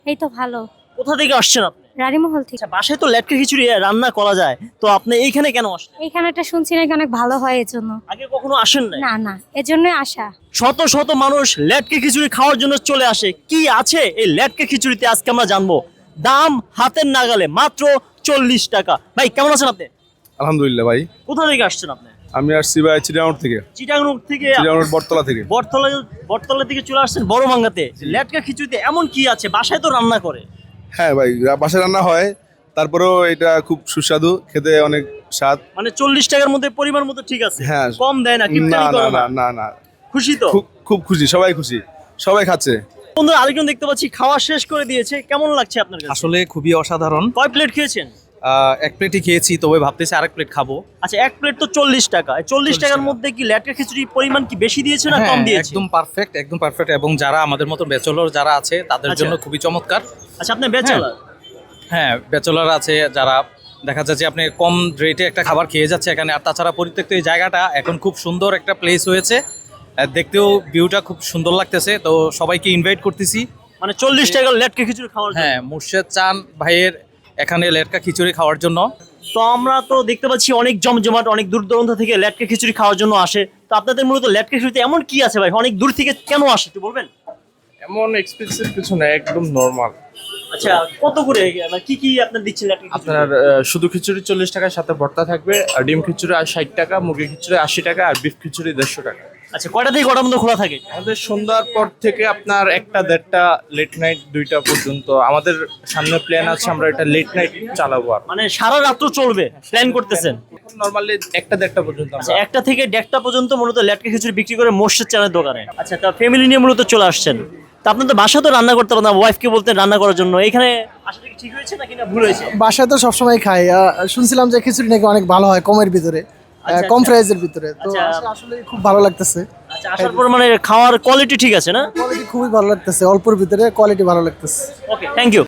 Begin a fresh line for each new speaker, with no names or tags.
এই তো ভালো।
কোথা থেকে আসছেন আপনি?
রানীমহল থেকে।
আচ্ছা, বাসায় তো লেটকা খিচুড়ি রান্না করা যায়, তো আপনি এইখানে কেন আসলেন?
এইখানে একটা শুনছি নাকি অনেক ভালো হয়, এর জন্য।
আগে কখনো আসেন নাই?
না না, এর জন্যই আসা।
শত শত মানুষ লেটকা খিচুড়ি খাওয়ার জন্য চলে আসে। কি আছে এই লেটকা খিচুড়িতে আজকে আমরা জানবো। দাম হাতের নাগালে, মাত্র 40 টাকা। ভাই কেমন আছেন আপনি?
আলহামদুলিল্লাহ ভাই।
কোথা থেকে আসছেন আপনি?
আমি আসছি ভাই চিটাগাং থেকে।
চিটাগাং থেকে?
চিটাগাং বটতলা থেকে।
বটতলা, বটতলা থেকে চলে আসছেন বড় মাঙ্গাতে। লেটকা খিচুড়িতে এমন কি আছে? বাসায় তো রান্না করে।
হ্যাঁ ভাই, বাসায় রান্না হয়, তারপরেও এটা খুব সুস্বাদু, খেতে অনেক স্বাদ।
মানে 40 টাকার মধ্যে পরিমাণ মতো ঠিক আছে?
হ্যাঁ।
কম দেয় না?
না
কিপটামি
না
করে
না
না?
না না,
খুশি তো?
খুব খুব খুশি, সবাই খুশি, সবাই খাচ্ছে।
বন্ধুরা, আরেকজন দেখতে পাচ্ছি খাওয়া শেষ করে দিয়েছে। কেমন লাগছে আপনার কাছে?
আসলে খুবই অসাধারণ।
কয় প্লেট খেয়েছেন?
এক প্লেটই খেয়েছি, তবে ভাবতেছি আরেক প্লেট খাবো।
আচ্ছা, এক প্লেট তো 40 টাকা। এই 40 টাকার
টাকা।
মধ্যে কি লেটকা খিচুড়ির পরিমাণ কি বেশি দিয়েছে না কম
হ্যাঁ,
দিয়েছে?
একদম পারফেক্ট, একদম পারফেক্ট। এবং যারা আমাদের মতো ব্যাচেলর যারা আছে তাদের
আচ্ছা।
জন্য খুবই চমৎকার।
আচ্ছা, আপনি ব্যাচেলর?
হ্যাঁ, ব্যাচেলর আছে যারা, দেখা যাচ্ছে আপনি কম রেটে একটা খাবার খেয়ে যাচ্ছে এখানে। আর তাছাড়া পরিত্যক্ত এই জায়গাটা এখন খুব সুন্দর একটা প্লেস হয়েছে, দেখতেও ভিউটা খুব সুন্দর লাগতেছে। তো সবাইকে ইনভাইট করতেছি।
মানে 40 টাকার লেটকা খিচুড়ি খাওয়ার জন্য?
হ্যাঁ, মুর্শেদ চান ভাইয়ের এখানে লেটকা খিচুড়ি খাওয়ার জন্য।
তো আমরা তো দেখতে পাচ্ছি অনেক জমজমাট, অনেক দূর দূরান্ত থেকে লেটকা খিচুড়ি খাওয়ার জন্য আসে। তো আপনাদের মূলত লেটকা খিচুড়িতে এমন কি আছে ভাই? অনেক দূর থেকে কেন আসে একটু বলবেন?
এমন এক্সপেন্সিভ কিছু না, একদম নর্মাল।
আচ্ছা, কত করে মানে কি কি আপনার দিচ্ছেন লেটকা খিচুড়ি?
আপনার শুধু খিচুড়ি 40 টাকার সাথে ভর্তা থাকবে, আর ডিম খিচুড়ি 60 টাকা, মুরগি খিচুড়ি 80 টাকা, আর বিফ খিচুড়ি 150 টাকা।
আচ্ছা, কয়টা থেকে কটার মধ্যে খোলা থাকে?
আমাদের সন্ধ্যার পর থেকে আপনার 1টা 1:30টা, লেট নাইট 2টা পর্যন্ত। আমাদের সামনে প্ল্যান আছে, আমরা এটা লেট নাইট চালাবো। আর
মানে সারা রাত্র চলবে প্ল্যান করতেছেন?
নর্মালি 1টা 1:30টা পর্যন্ত
আচ্ছা,
আমরা।
1টা থেকে 1:30টা পর্যন্ত মূলত লেটকা খিচুড়ি বিক্রি করে মোর্শেদ চানের দোকানে। আচ্ছা, তা ফ্যামিলি নিয়ে মূলত চলে আসছেন। তা আপনার তো বাসা তো রান্না করতে পারেন না, ওয়াইফকে বলতেন রান্না করার জন্য। এখানে আসলে কি ঠিক হয়েছে নাকি না ভুল হয়েছে?
বাসায় তো সবসময় খাই। শুনছিলাম যে খিচুড়ি নাকি অনেক ভালো হয় কমের ভিতরে,
আচ্ছা,
কম
আচ্ছা।
প্রাইসের ভিতরে। তো
আচ্ছা।
আসলে খুব ভালো লাগতেছে।
আচ্ছা, আসার পর মানে খাওয়ার কোয়ালিটি ঠিক আছে না?
কোয়ালিটি খুবই ভালো লাগতেছে, অল্পর ভিতরে কোয়ালিটি ভালো লাগতেছে।
Okay, thank you.